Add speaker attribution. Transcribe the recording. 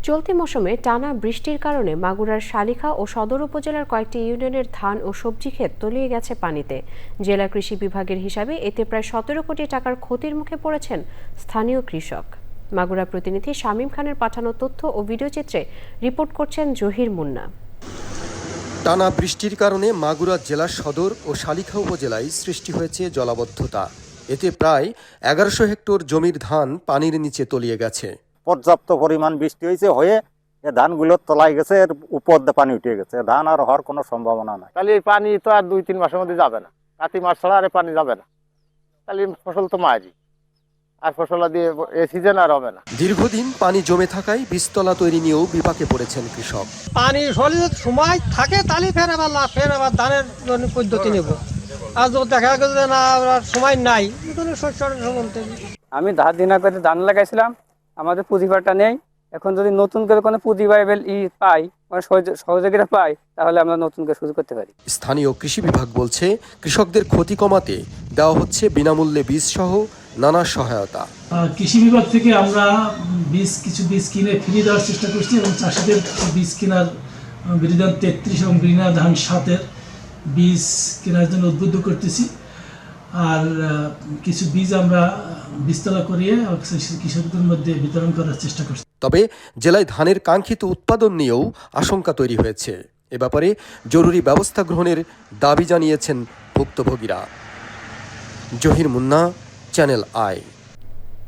Speaker 1: চলতি মৌসুমে টানা বৃষ্টির কারণে মাগুরার শালিখা ও সদর উপজেলার কয়েকটি ইউনিয়নের ধান ও সবজি ক্ষেত তলিয়ে গেছে পানিতে। জেলা কৃষি বিভাগের হিসাবে এতে প্রায় 17 কোটি টাকার ক্ষতির মুখে পড়েছেন স্থানীয় কৃষক। মাগুরা প্রতিনিধি শামীম খানের পাঠানো তথ্য ও ভিডিওচিত্রে রিপোর্ট করছেন জহির মুন্না।
Speaker 2: টানা বৃষ্টির কারণে মাগুরা জেলার সদর ও শালিখা উপজেলায় সৃষ্টি হয়েছে জলাবদ্ধতা। এতে প্রায় 1100 হেক্টর জমির ধান পানির নিচে তলিয়ে গেছে।
Speaker 3: পর্যাপ্ত পরিমাণ বৃষ্টি হয়ে ধানগুলো তলায় গেছে, এর উপর দিয়ে পানি উঠে গেছে। ধান আর হওয়ার কোনো সম্ভাবনা নাই।
Speaker 4: তাহলে এই পানি তো আর 2-3 মাসের মধ্যে যাবে না। কার্তিক মাস ছাড়া আর পানি যাবে না, তাহলে ফসল তো মারি আর ফসল দিয়ে এই সিজন আর হবে না।
Speaker 2: দীর্ঘদিন পানি জমে থাকায় বীজতলা তৈরি নিয়েও বিপাকে পড়েছেন কৃষক।
Speaker 5: পানি সরিয়ে সময় থাকে তাহলে ফের আবার ধানের পদ্ধতি নেব। আর যদি দেখা গেছে যে না সময় নাই,
Speaker 6: আমি ধার দিনা করে ধান লাগাইছিলাম, আমাদের পুঁজিবারটা নেই। এখন যদি নতুন করে কোনো পুঁজি পাই, মানে সহযোগিতা পাই, তাহলে আমরা নতুন করে শুরু করতে পারি।
Speaker 2: স্থানীয় কৃষি বিভাগ বলছে, কৃষকদের ক্ষতি কমাতে দেওয়া হচ্ছে বিনামূল্যে বীজ সহ নানা সহায়তা।
Speaker 7: কৃষি বিভাগ থেকে আমরা কিছু বীজ কিনে ফিরিয়ে দেওয়ার চেষ্টা করছি এবং চাষিদের বীজ কেনার বিরিধান 33 এবং বিরিধান 7-এর বীজ কেনার জন্য উদ্বুদ্ধ করতেছি। আর কিছু বীজ আমরা বীজতলা করিয়ে কৃষকদের মধ্যে বিতরণ করার চেষ্টা করছি।
Speaker 2: তবে জেলায় ধানের কাঙ্ক্ষিত উৎপাদন নিয়েও আশঙ্কা তৈরি হয়েছে। এ ব্যাপারে জরুরি ব্যবস্থা গ্রহণের দাবি জানিয়েছেন ভুক্তভোগীরা। Zahir Munna, channel I.